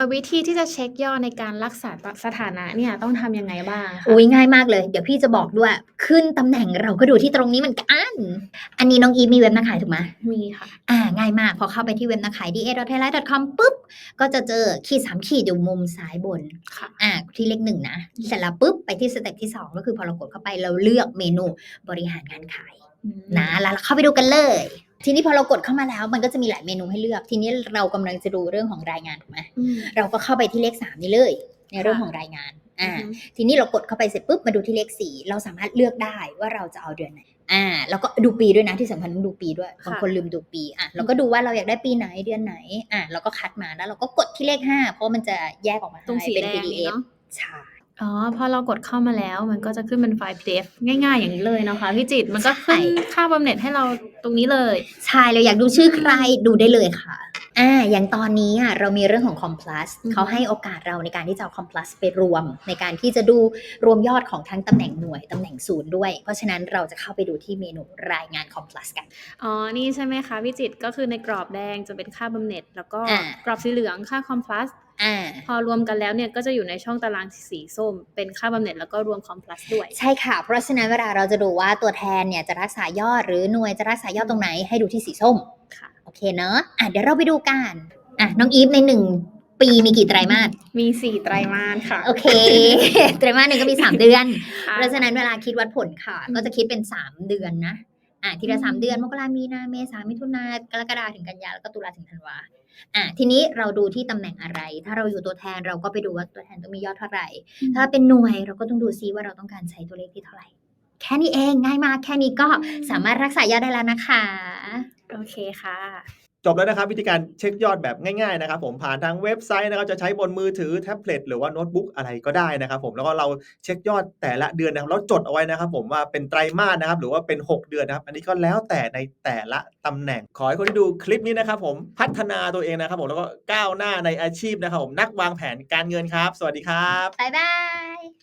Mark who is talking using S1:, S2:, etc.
S1: วิธีที่จะเช็กยอดในการรักษาสถานะเนี่ยต้องทำยังไงบ้างคะ
S2: อุ้ยง่ายมากเลย เดี๋ยวพี่จะบอกด้วย ขึ้นตำแหน่งเราก็ดูที่ตรงนี้เหมือนกัน อันนี้น้องอีฟมีเว็บนักขายถูกไหม
S1: มีค่ะ
S2: ง่ายมาก พอเข้าไปที่เว็บนักขาย da.thailand.com ปุ๊บ ก็จะเจอขีด3ขีดอยู่มุมซ้ายบน
S1: ค่ะ
S2: ที่เลข1นะ เสร็จแล้วปุ๊บ ไปที่สเต็ปที่ 2 ก็คือพอเรากดเข้าไปเราเลือกเมนูบริหารงานขายนะแล้วเราเข้าไปดูกันเลย ทีนี้พอเรากดเข้ามาแล้วมันก็จะมีหลายเมนูให้เลือก ทีนี้เรากำลังจะดูเรื่องของรายงานถูกไหมเราก็เข้าไปที่เลข3นี่เลยในเรื่องของรายงานทีนี้เรากดเข้าไปเสร็จปุ๊บมาดูที่เลข4เราสามารถเลือกได้ว่าเราจะเอาเดือนไหนแล้วก็ดูปีด้วยนะที่สำคัญต้องดูปีด้วยบางคนลืมดูปีเราก็ดูว่าเราอยากได้ปีไหนเดือนไหนเราก็คัดมาแล้วเราก็กดที่เลข5เพราะมันจะแยกออกมาให้เป็น PDF ใช่
S1: พอเรากดเข้ามาแล้วมันก็จะขึ้นเป็นไฟล์ PDF ง่ายๆอย่างนี้เลยเนาะคะพี่จิตมันก็ขึ้นค่าบำเหน็จให้เราตรงนี้เลย
S2: ใช่เราอยากดูชื่อใครดูได้เลยค่ะอย่างตอนนี้เรามีเรื่องของ Complus เขาให้โอกาสเราในการที่จะเอา Complus ไปรวมในการที่จะดูรวมยอดของทั้งตำแหน่งหน่วยตำแหน่งศูนย์ด้วยเพราะฉะนั้นเราจะเข้าไปดูที่เมนูรายงาน Complus กัน
S1: นี่ใช่ไหมคะพี่จิตก็คือในกรอบแดงจะเป็นค่าบำเหน็จแล้วก็กรอบสีเหลืองค่า Complusพอรวมกันแล้วเนี่ยก็จะอยู่ในช่องตารางสีส้มเป็นค่าบำเหน็จแล้วก็รวม Complus ด้วย
S2: ใช่ค่ะเพราะฉะนั้นเวลาเราจะดูว่าตัวแทนเนี่ยจะรักษายอดหรือหน่วยจะรักษายอดตรงไหนให้ดูที่สีส้ม
S1: ค่ะ
S2: โอเคเนอะเดี๋ยวเราไปดูกันน้องอีฟใน1 ปีมีกี่ไตรมาส
S1: มี4ไตรมาสค่ะ
S2: โอเค ไตรมาสหนึ่งก็มี3 เดือนเพราะฉะนั้นเวลาคิดวัดผลค่ะก็จะคิดเป็น3 เดือนนะทีละ3 เดือนมกรามีนาเมษามิถุนากรกฎาถึงกันยาแล้วก็ตุลาถึงธันวาทีนี้เราดูที่ตำแหน่งอะไรถ้าเราอยู่ตัวแทนเราก็ไปดูว่าตัวแทนต้องมียอดเท่าไหร่ถ้าเป็นหน่วยเราก็ต้องดูซิว่าเราต้องการใช้ตัวเลขที่เท่าไหร่แค่นี้เองง่ายมากแค่นี้ก็สามารถรักษายอดได้แล้วนะคะ
S1: โอเคค่ะ
S3: จบแล้วนะครับวิธีการเช็คยอดแบบง่ายๆนะครับผมผ่านทางเว็บไซต์นะครับจะใช้บนมือถือแท็บเล็ตหรือว่าโน้ตบุ๊กอะไรก็ได้นะครับผมแล้วก็เราเช็คยอดแต่ละเดือนนะครับแล้วจดเอาไว้นะครับผมว่าเป็นไตรมาสนะครับหรือว่าเป็น6 เดือนนะครับอันนี้ก็แล้วแต่ในแต่ละตำแหน่งขอให้คนที่ดูคลิปนี้นะครับผมพัฒนาตัวเองนะครับผมแล้วก็ก้าวหน้าในอาชีพนะครับผมนักวางแผนการเงินครับสวัสดีครับ
S2: บ๊ายบาย